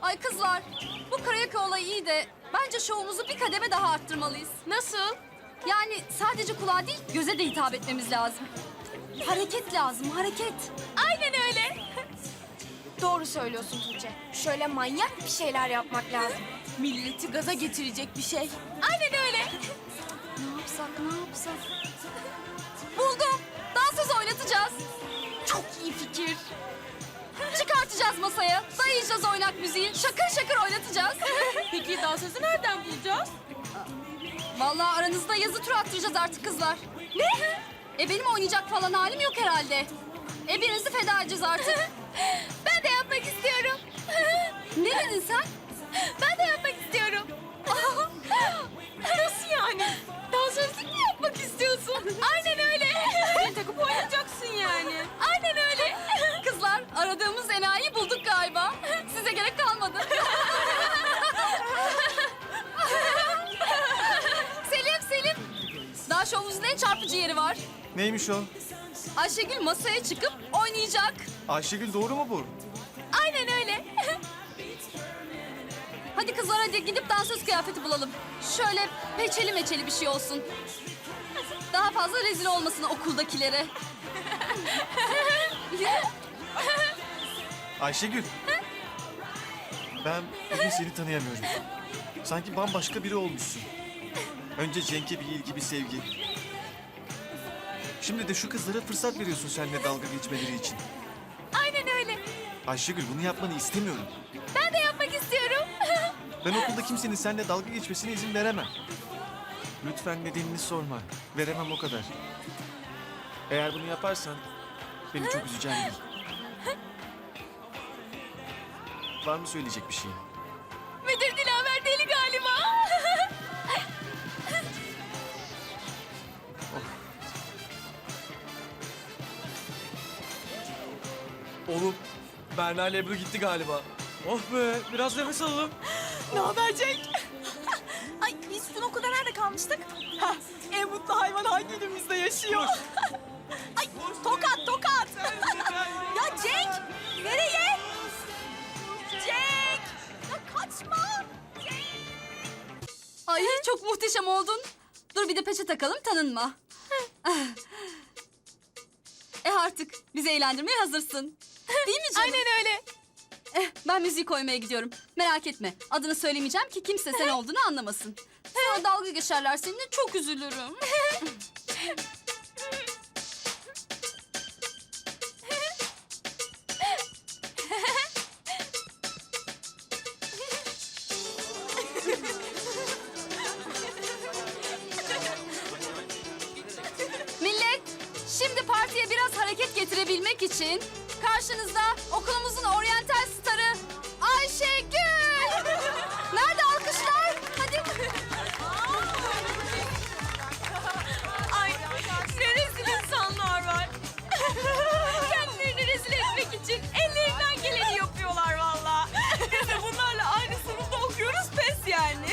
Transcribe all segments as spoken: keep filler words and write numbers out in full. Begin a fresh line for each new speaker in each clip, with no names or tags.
Ay kızlar, bu karaoke olayı iyi de bence şovumuzu bir kademe daha arttırmalıyız.
Nasıl?
Yani sadece kulağa değil, göze de hitap etmemiz lazım. Hareket lazım, hareket.
Aynen öyle.
Doğru söylüyorsun Tuğçe. Şöyle manyak bir şeyler yapmak lazım.
Milleti gaza getirecek bir şey. Aynen öyle.
Ne yapsak, ne yapsak? Buldum, dansöz oynatacağız.
Çok iyi fikir.
Çıkartacağız masaya, dayayacağız oynak müziği, şakır şakır oynatacağız.
Peki dansözü nereden bulacağız?
Vallahi aranızda yazı tur attıracağız artık kızlar. Ne? E benim oynayacak falan halim yok herhalde. E birinizi feda edeceğiz artık.
Ben de yapmak istiyorum.
Ne dedin sen?
Ben de yapmak istiyorum. Nasıl yani? Dansözlük mü yapmak istiyorsun? Aynen öyle. Beni takıp oynayacaksın yani. Aynen öyle.
Kızlar aradığımız enayi bulduk galiba. Size gerek kalmadı. Selim, Selim. Daha şovumuzun en çarpıcı yeri var.
Neymiş o?
Ayşegül masaya çıkıp oynayacak.
Ayşegül doğru mu bu?
Aynen öyle.
Hadi kızlar hadi gidip dansöz kıyafeti bulalım. Şöyle peçeli meçeli bir şey olsun. Daha fazla rezil olmasın okuldakilere.
Ayşegül. Ben bugün seni tanıyamıyorum. Sanki bambaşka biri olmuşsun. Önce Cenk'e bir ilgi, bir sevgi. Şimdi de şu kızlara fırsat veriyorsun seninle dalga geçmeleri için.
Aynen öyle.
Ayşegül bunu yapmanı istemiyorum.
Ben de yapmak istiyorum.
Ben okulda kimsenin seninle dalga geçmesine izin veremem. Lütfen nedenini sorma. Veremem o kadar. Eğer bunu yaparsan beni çok üzeceğim bil. Var mı söyleyecek bir şey?
Müdür Dilaver deli galiba.
Oğlum, Berna ile Ebru gitti galiba. Oh be, biraz nefes alalım.
Ne haber Cenk? Ay biz dün okulda nerede kalmıştık? Heh, en mutlu hayvan hangi ilimizde yaşıyor? Ay tokat tokat. Ya Cenk nereye? Cenk ya kaçma.
Ay çok muhteşem oldun. Dur bir de peçe takalım tanınma. E artık bizi eğlendirmeye hazırsın. Değil mi canım?
Aynen öyle.
Eh, ben müziği koymaya gidiyorum. Merak etme. Adını söylemeyeceğim ki kimse sen olduğunu anlamasın. Sonra dalga geçerler seninle çok üzülürüm. Millet, şimdi partiye biraz hareket getirebilmek için karşınızda okulumuzun oryantal starı Ayşegül. Nerede alkışlar? Hadi.
Ay ne rezil insanlar var. Kendilerini rezil etmek için ellerinden geleni yapıyorlar vallahi. Biz de bunlarla aynı sınıfta okuyoruz pes yani.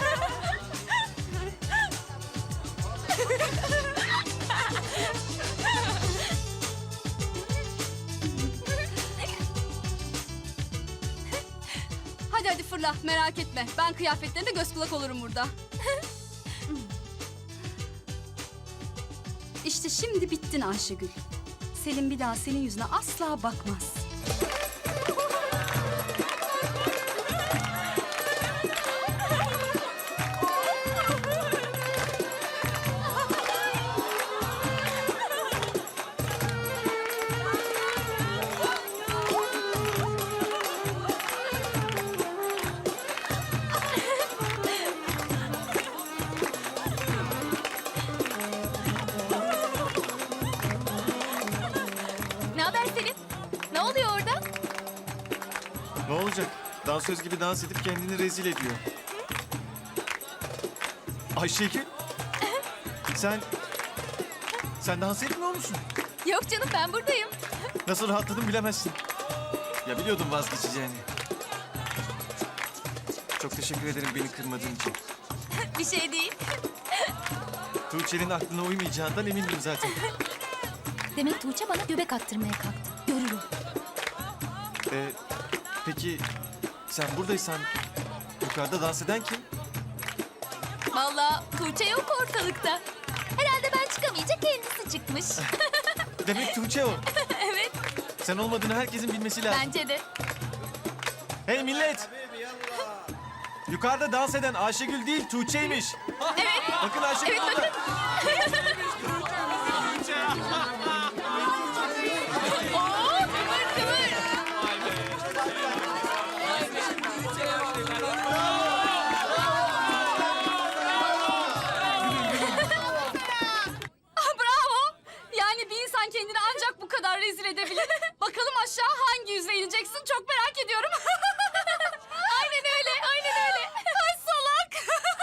Hadi hadi fırla merak etme. Ben kıyafetlerine göz kulak olurum burada. İşte şimdi bittin Ayşegül. Selim bir daha senin yüzüne asla bakmaz.
Ne haber Selin? Ne oluyor orada?
Ne olacak? Dansöz gibi dans edip kendini rezil ediyor. Ayşegül. Sen... Sen dans etmiyor musun?
Yok canım ben buradayım.
Nasıl rahatladım bilemezsin. Ya biliyordum vazgeçeceğini. Çok teşekkür ederim beni kırmadığın için.
Bir şey değil.
Tuğçe'nin aklına uymayacağından emindim zaten.
Demek Tuğçe bana göbek attırmaya kalktı. Görürüm.
Ee, peki sen buradaysan yukarıda dans eden kim?
Vallahi Tuğçe yok ortalıkta. Herhalde ben çıkamayınca kendisi çıkmış.
Demek Tuğçe o.
Evet,
Sen olmadığını herkesin bilmesi lazım.
bence de.
Hey millet! Yukarıda dans eden Ayşegül değil Tuğçe'ymiş.
Evet,
Bakın Ayşegül orada.
oo, kıvır kıvır.
Ah, bravo. Yani bir insan kendini ancak bu kadar rezil edebilir. Bakalım aşağı hangi yüzle ineceksin çok merak ediyorum.
Aynen öyle, aynen öyle.
Ay salak.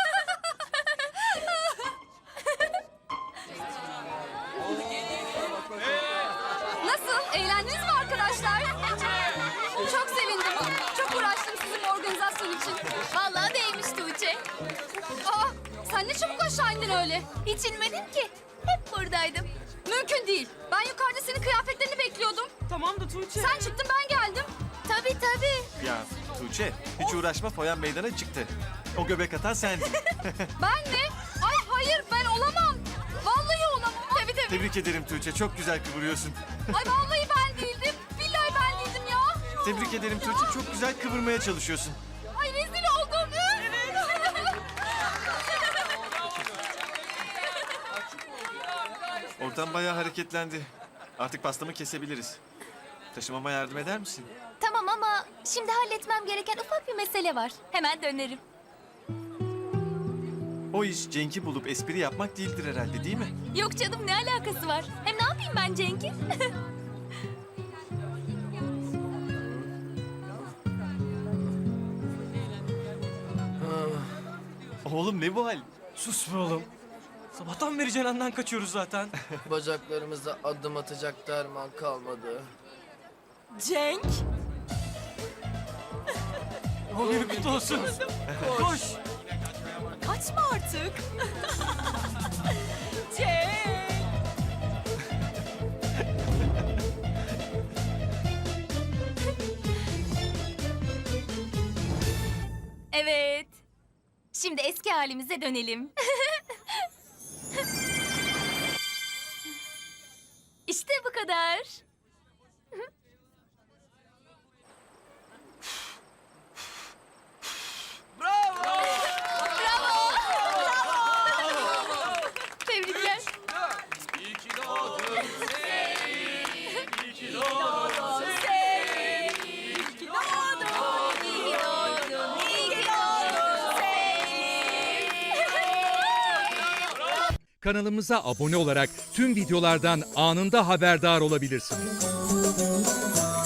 Nasıl? Eğlendiniz mi arkadaşlar? Çok sevindim. Çok uğraştım sizin organizasyon için.
Vallahi değmiş Tuğçe.
Aa, sen ne çabuk aşağı indin öyle.
Hiç inmedim ki. Hep buradaydım.
Mümkün değil. Ben yukarıda senin kıyafetlerini bekliyordum.
Tamam da Tuğçe.
Sen çıktın ben geldim.
Tabii tabii.
Ya Tuğçe hiç uğraşma foyan meydana çıktı. O göbek atan sendin.
Ben mi? Ay hayır ben olamam. Vallahi olamam.
Tabii tabii.
Tebrik ederim Tuğçe çok güzel kıvırıyorsun.
Ay vallahi ben değildim. Billahi ben değildim ya.
Tebrik ederim Tuğçe çok güzel kıvırmaya çalışıyorsun.
Ay rezil oldum.
Ortam bayağı hareketlendi. Artık pastamı kesebiliriz. Taşımama yardım eder misin?
Tamam ama şimdi halletmem gereken ufak bir mesele var. Hemen dönerim.
O iş Cenk'i bulup espri yapmak değildir herhalde değil mi?
Yok canım ne alakası var? Hem ne yapayım ben Cenk'i?
Oğlum ne bu hal?
Sus be oğlum. Sabahtan beri Cenan'dan kaçıyoruz zaten.
Bacaklarımızda adım atacak derman kalmadı.
Cenk?
O günü kutlu olsun. Koş.
Kaçma artık. Cenk! Evet. Şimdi eski halimize dönelim. İşte bu kadar. Tebrikler.
Kanalımıza abone olarak tüm videolardan anında haberdar olabilirsiniz.